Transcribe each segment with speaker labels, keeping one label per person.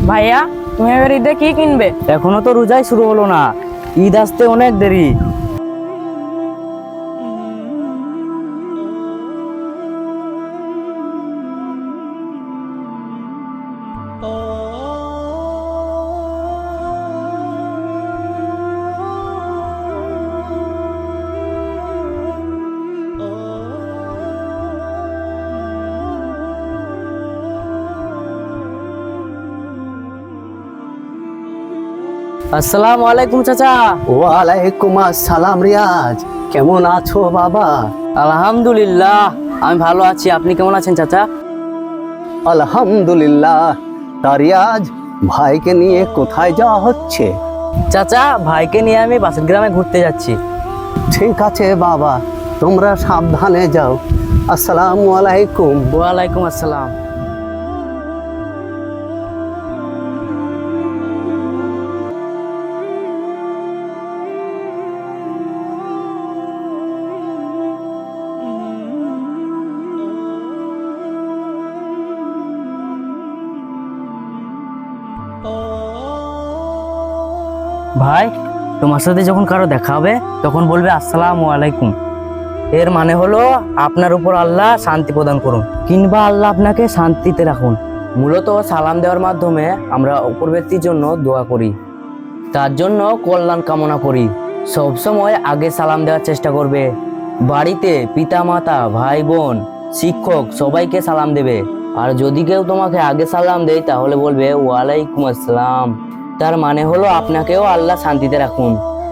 Speaker 1: ভাইয়া, তুমি এবার ঈদে কি কিনবে?
Speaker 2: এখনো তো রোজাই শুরু হলো না, ঈদ আসতে অনেক দেরি। আসসালামু আলাইকুম চাচা।
Speaker 3: ওয়ালাইকুম আসসালাম রিয়াজ, কেমন আছো বাবা?
Speaker 2: আলহামদুলিল্লাহ, আমি ভালো আছি। আপনি কেমন আছেন চাচা?
Speaker 3: আলহামদুলিল্লাহ। তা রিয়াজ, ভাইকে নিয়ে কোথায় যাওয়া হচ্ছে?
Speaker 2: চাচা, ভাইকে নিয়ে আমি পাশের গ্রামে ঘুরতে যাচ্ছি।
Speaker 3: ঠিক আছে বাবা, তোমরা সাবধানে যাও। আসসালামু আলাইকুম।
Speaker 2: ওয়ালাইকুম আসসালাম। ভাই, তোমার সাথে যখন কারো দেখা হবে তখন বলবে আসসালামু আলাইকুম। এর মানে হলো আপনার উপর আল্লাহ শান্তি প্রদান করুন, কিংবা আল্লাহ আপনাকে শান্তিতে রাখুন। মূলত সালাম দেওয়ার মাধ্যমে আমরা অপর ব্যক্তির জন্য দোয়া করি, তার জন্য কল্যাণ কামনা করি। সবসময় আগে সালাম দেওয়ার চেষ্টা করবে। বাড়িতে পিতা মাতা, ভাই বোন, শিক্ষক সবাইকে সালাম দেবে। আর যদি কেউ তোমাকে আগে সালাম দেয় তাহলে বলবে ওয়ালাইকুম আসসালাম। তার মানে হলো আপনাকেও আল্লাহ শান্তিতে রাখুন।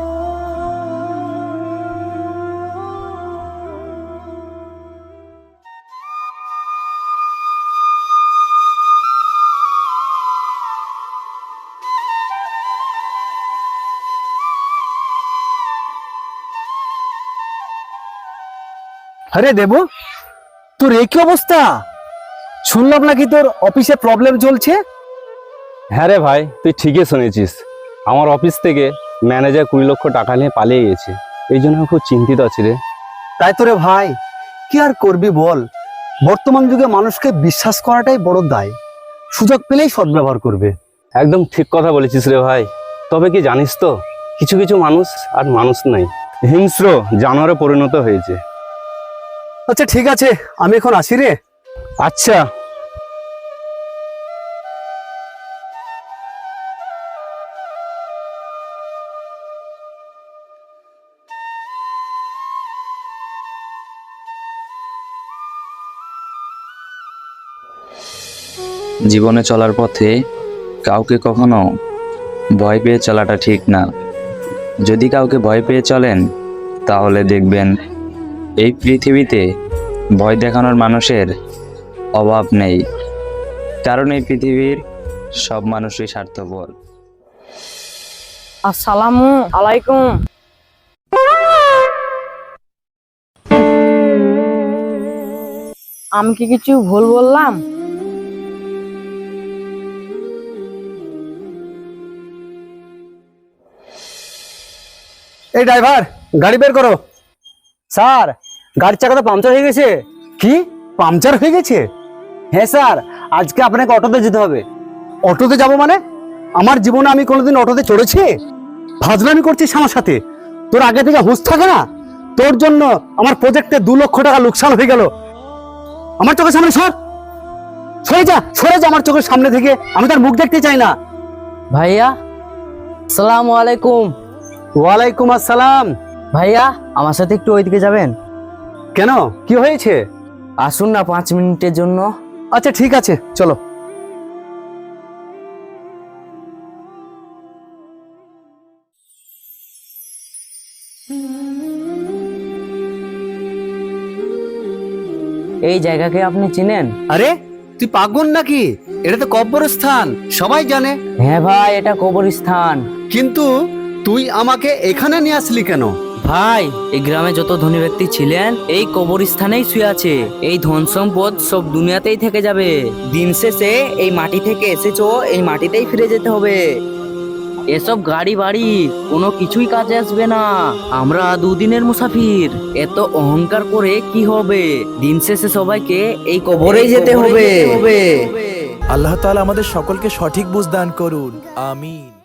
Speaker 3: আরে দেবু, তোর এই কি অবস্থা? শুনলাম নাকি তোর অফিসে প্রবলেম চলছে।
Speaker 4: হ্যাঁ রে ভাই, তুই ঠিকই শুনেছিস। আমার অফিস থেকে ম্যানেজার 20 লক্ষ টাকা নিয়ে পালিয়ে গেছে। এই জন্য আমি খুব চিন্তিত আছি রে।
Speaker 3: তাই তো রে ভাই, কি আর করবি বল। বর্তমান যুগে মানুষকে বিশ্বাস করাটাই বড় দায়। সুযোগ পেলেই সদ্ব্যবহার করবে।
Speaker 4: একদম ঠিক কথা বলেছিস রে ভাই। তবে কি জানিস তো, কিছু কিছু মানুষ আর মানুষ নাই, হিংস্র জানোয়ারে পরিণত হয়েছে।
Speaker 3: আচ্ছা ঠিক আছে, আমি এখন আসি রে।
Speaker 4: আচ্ছা।
Speaker 5: জীবনে চলার পথে কাউকে কখনো ভয় পেয়ে চলাটা ঠিক না। যদি কাউকে ভয় পেয়ে চলেন তাহলে দেখবেন এই পৃথিবীতে ভয় দেখানোর মানুষের অভাব নেই, কারণ এই পৃথিবীর সব মানুষই স্বার্থপর।
Speaker 1: আসসালামু আলাইকুম। আমি কি কিছু ভুল বললাম?
Speaker 3: এই ড্রাইভার, গাড়ি বের করো। স্যার, গাড়ির চাকা তো পাংচার হয়ে গেছে। কি পাংচার হয়ে গেছে? হ্যাঁ স্যার, আজকে আপনাকে অটোতে যেতে হবে। অটোতে যাব মানে? আমার জীবনে আমি কোনোদিন অটোতে চড়েছি? ফাজলামি করছিস আমার সাথে? তোর আগে থেকে হুঁশ থাকে না? তোর জন্য আমার প্রজেক্টে 2 লক্ষ টাকা লোকসান হয়ে গেল। আমার চোখের সামনে সর, সরে যা, সরে যা আমার চোখের সামনে থেকে। আমি তার মুখ দেখতে চাই না।
Speaker 2: ভাইয়া, আসসালামু আলাইকুম।
Speaker 3: ওয়ালাইকুম আসসালাম।
Speaker 2: ভাইয়া, আমার সাথে একটু ওইদিকে যাবেন?
Speaker 3: কেন, কি হয়েছে?
Speaker 2: আসুন না 5 মিনিটের জন্য।
Speaker 3: আচ্ছা ঠিক আছে, চলো।
Speaker 2: এই জায়গাকে আপনি চিনেন?
Speaker 3: আরে তুই পাগল নাকি? এটা তো কবরস্থান, সবাই জানে।
Speaker 2: হ্যাঁ ভাই, এটা কবরস্থান।
Speaker 3: কিন্তু তুই আমাকে এখানে নিয়ে আসলি কেন?
Speaker 2: ভাই, এই গ্রামে যত ধনী ব্যক্তি ছিলেন এই কবরস্থানেই শুয়ে আছে। এই ধন সম্পদ সব দুনিয়াতেই থেকে যাবে। দিন শেষে এই মাটি থেকে এসেছো, এই মাটিতেই ফিরে যেতে হবে। এসব গাড়ি বাড়ি কোনো কিছুই কাজে আসবে না। আমরা 2 দিনের মুসাফির। এত অহংকার করে কি হবে? দিন শেষে সবাইকে এই কবরেই যেতে হবে।
Speaker 6: আল্লাহ তাআলা আমাদের সকলকে সঠিক বুঝ দান করুন, আমিন।